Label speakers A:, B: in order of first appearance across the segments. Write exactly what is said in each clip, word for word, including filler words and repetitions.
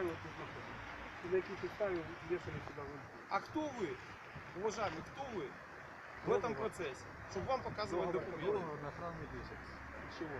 A: підставі ви тут знаходитесь? На якій підставі вішали сюди ви?
B: А кто вы, уважаемый, кто вы в этом процессе, чтобы вам показывать документы?
C: Договор на охранный месяц.
A: Чего?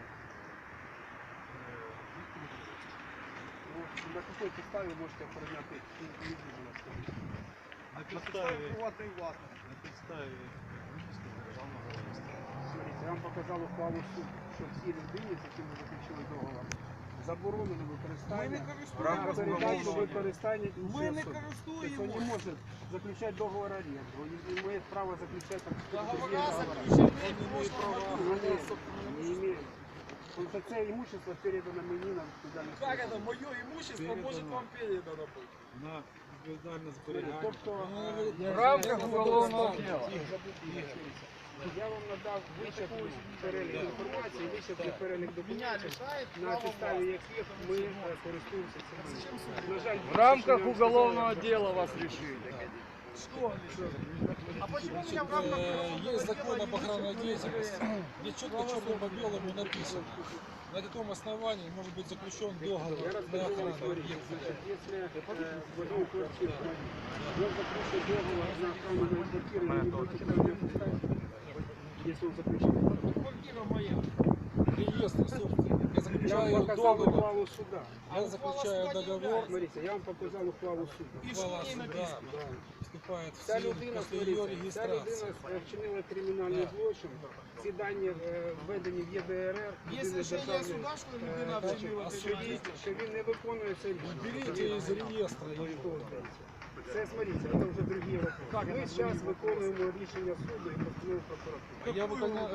A: Ну, на какой підставі можете охороняти недвижимость, скажіть?
C: На
B: На підставі
C: підставі,
B: приватної власності.
C: на підставі виписки з державного реєстру.
A: Смотрите, я вам показав ухвалу суду, що всі людині, з якими ви заключили договор, заборонено використання,
B: Ми не
A: на
B: користуємося.
A: передачу
B: договором.
A: використання іншої
B: Ми не
A: особи. Тобто он не
B: користуємося.
A: может заключать договор аренды, он не имеет права заключать там какие-то другие
B: Договора
A: договора.
B: заключены в
A: Он
B: прошлом году.
A: не, не имеет. Потому что це имущество передано мені на відповідальність.
B: Как это мое имущество может вам передано быть?
C: На відповідальне
A: Смотрите,
C: зберігання.
A: Тобто,
B: В
A: рамках
B: уголовного
A: дела. Я вам надав вичерпний перелік інформації, вичерпний перелік
B: Меня
A: документів,
B: лишает
A: на
B: права
A: підставі
B: власти.
A: яких ми е, користуємося цим. На жаль,
D: В рамках
A: більше, що я вам
D: уголовного
A: сказав,
D: дела вас решили.
B: Что лишили? А почему меня в рамках
E: Э, Есть закон об охранной
B: дела
E: деятельности, где четко черным по белому написано, на каком основании может быть заключен договор
A: Я
E: на
A: расскажу вам
E: охрану
A: историю.
E: объекта.
A: Значит, если э, в одной квартире он заключил договор на охрану моей квартиры, вы не будете проблем ставить, если он заключил.
B: Квартира моя.
E: Реестр собственник. Я
A: Я
E: заключаю
A: вам показал
E: договор.
A: ухвалу суда.
E: Я заключаю договор.
A: Смотрите, я вам показал ухвалу суда.
B: И что в ней
E: Ухвала
B: написано?
E: суда вступает в
A: Ця
E: силу
A: людина,
E: после ее
A: смотрите, ця
E: регистрации.
A: людина е, вчинила кримінальний злочин. Ці дані е, введені в Є Д Р Р.
B: Есть
A: єдиний
B: решение
A: державний,
B: суда, что
A: е,
B: людина
A: значить,
B: вчинила
E: а
A: що він-
B: криминальное.
A: що він не виконує це рішення.
E: Берите из реестра его.
A: Це, смотрите, це вже другий вопрос. Ми зараз виконуємо рішення суду і постанову прокуратури.
E: Я выполняю